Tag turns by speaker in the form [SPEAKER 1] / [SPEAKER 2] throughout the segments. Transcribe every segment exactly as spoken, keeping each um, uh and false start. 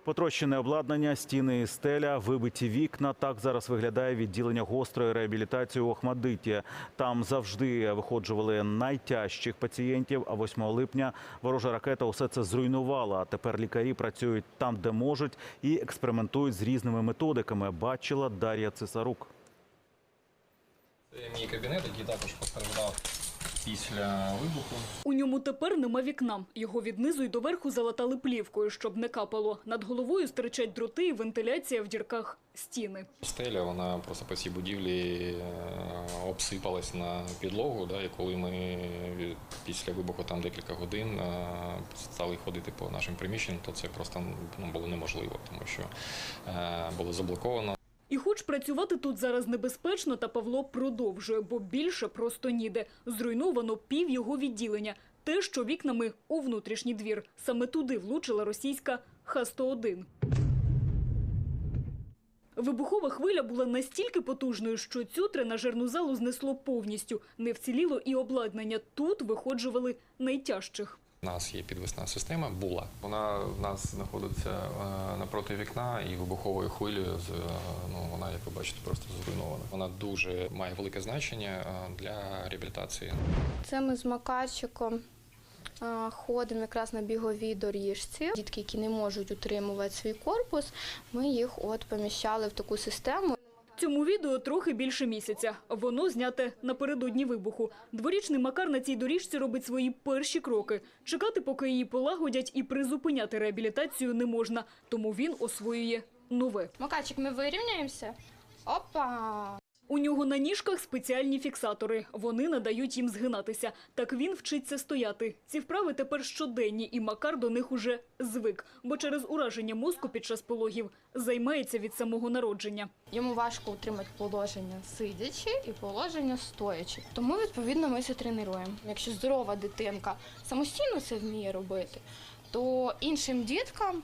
[SPEAKER 1] Потрощене обладнання, стіни і стеля, вибиті вікна. Так зараз виглядає відділення гострої реабілітації у Охмадиті. Там завжди виходжували найтяжчих пацієнтів, а восьмого липня ворожа ракета усе це зруйнувала. Тепер лікарі працюють там, де можуть, і експериментують з різними методиками, бачила Дар'я Цесарук.
[SPEAKER 2] Це мій кабінет, який також постраждав після вибуху.
[SPEAKER 3] У ньому тепер нема вікна. Його від низу й до верху залатали плівкою, щоб не капало. Над головою стирчать дроти і вентиляція в дірках стіни.
[SPEAKER 2] Стеля, вона просто по цій будівлі обсипалась на підлогу. Да, і коли ми після вибуху там декілька годин стали ходити по нашим приміщенням, то це просто ну, було неможливо, тому що було заблоковано.
[SPEAKER 3] І хоч працювати тут зараз небезпечно, та Павло продовжує, бо більше просто ніде. Зруйновано пів його відділення. Те, що вікнами у внутрішній двір. Саме туди влучила російська Х сто один. Вибухова хвиля була настільки потужною, що цю тренажерну залу знесло повністю. Не вціліло і обладнання. Тут виходжували найтяжчих.
[SPEAKER 2] У нас є підвісна система, була. Вона в нас знаходиться напроти вікна і вибуховою хвилею, ну, вона, як ви бачите, просто зруйнована. Вона дуже має велике значення для реабілітації.
[SPEAKER 4] Це ми з Макарчиком ходимо якраз на біговій доріжці. Дітки, які не можуть утримувати свій корпус, ми їх от поміщали в таку систему.
[SPEAKER 3] Цьому відео трохи більше місяця. Воно зняте напередодні вибуху. Дворічний Макар на цій доріжці робить свої перші кроки. Чекати, поки її полагодять, і призупиняти реабілітацію не можна. Тому він освоює нове.
[SPEAKER 4] Макарчик, ми вирівняємося. Опа!
[SPEAKER 3] У нього на ніжках спеціальні фіксатори. Вони надають їм згинатися. Так він вчиться стояти. Ці вправи тепер щоденні, і Макар до них уже звик. Бо через ураження мозку під час пологів займається від самого народження.
[SPEAKER 4] Йому важко утримати положення сидячи і положення стоячи. Тому, відповідно, ми це тренуємо. Якщо здорова дитинка самостійно це вміє робити, то іншим діткам,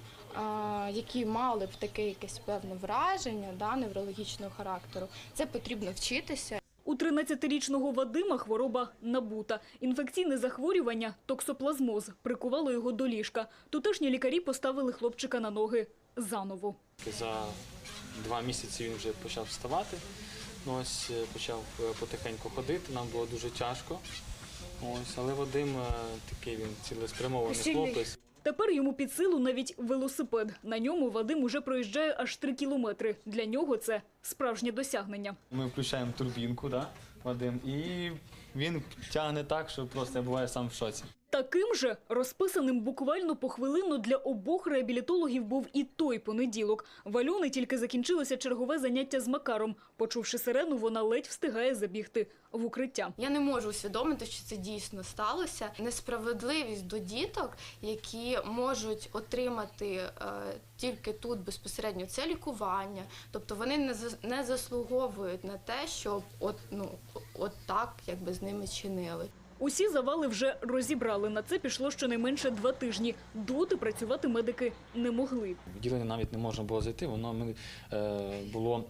[SPEAKER 4] які мали б таке якесь певне враження, да, неврологічного характеру, це потрібно вчитися.
[SPEAKER 3] У тринадцятирічного Вадима хвороба набута. Інфекційне захворювання – токсоплазмоз – прикувало його до ліжка. Тутешні лікарі поставили хлопчика на ноги заново.
[SPEAKER 5] За два місяці він вже почав вставати, ось почав потихеньку ходити, нам було дуже тяжко. Ось, але Вадим такий він цілеспрямований хлопець.
[SPEAKER 3] Тепер йому під силу навіть велосипед. На ньому Вадим уже проїжджає аж три кілометри. Для нього це справжнє досягнення.
[SPEAKER 5] Ми включаємо турбінку, да, Вадим, і він тягне так, що просто я буваю сам в шоці.
[SPEAKER 3] Таким же, розписаним буквально похвилинно для обох реабілітологів був і той понеділок. В Альони тільки закінчилося чергове заняття з Макаром. Почувши сирену, вона ледь встигає забігти в укриття.
[SPEAKER 4] Я не можу усвідомити, що це дійсно сталося. Несправедливість до діток, які можуть отримати е, тільки тут безпосередньо це лікування. Тобто вони не, не заслуговують на те, щоб от, ну, от так якби з ними чинили.
[SPEAKER 3] Усі завали вже розібрали. На це пішло щонайменше два тижні. Доти працювати медики не могли.
[SPEAKER 5] Відділення навіть не можна було зайти, воно е, було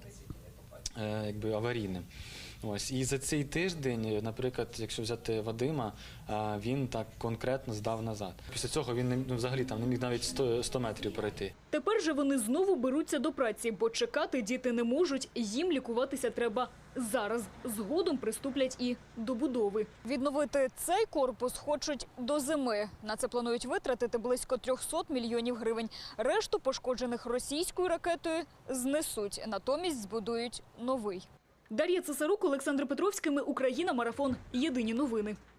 [SPEAKER 5] е, якби аварійним. Ось. І за цей тиждень, наприклад, якщо взяти Вадима, він так конкретно здав назад. Після цього він не, взагалі там не міг навіть сто метрів пройти.
[SPEAKER 3] Тепер же вони знову беруться до праці, бо чекати діти не можуть, їм лікуватися треба зараз. Згодом приступлять і до будови. Відновити цей корпус хочуть до зими. На це планують витратити близько трьохсот мільйонів гривень. Решту пошкоджених російською ракетою знесуть, натомість збудують новий. Дар'я Цесарук, Олександр Петровський, ми Україна, марафон. Єдині новини.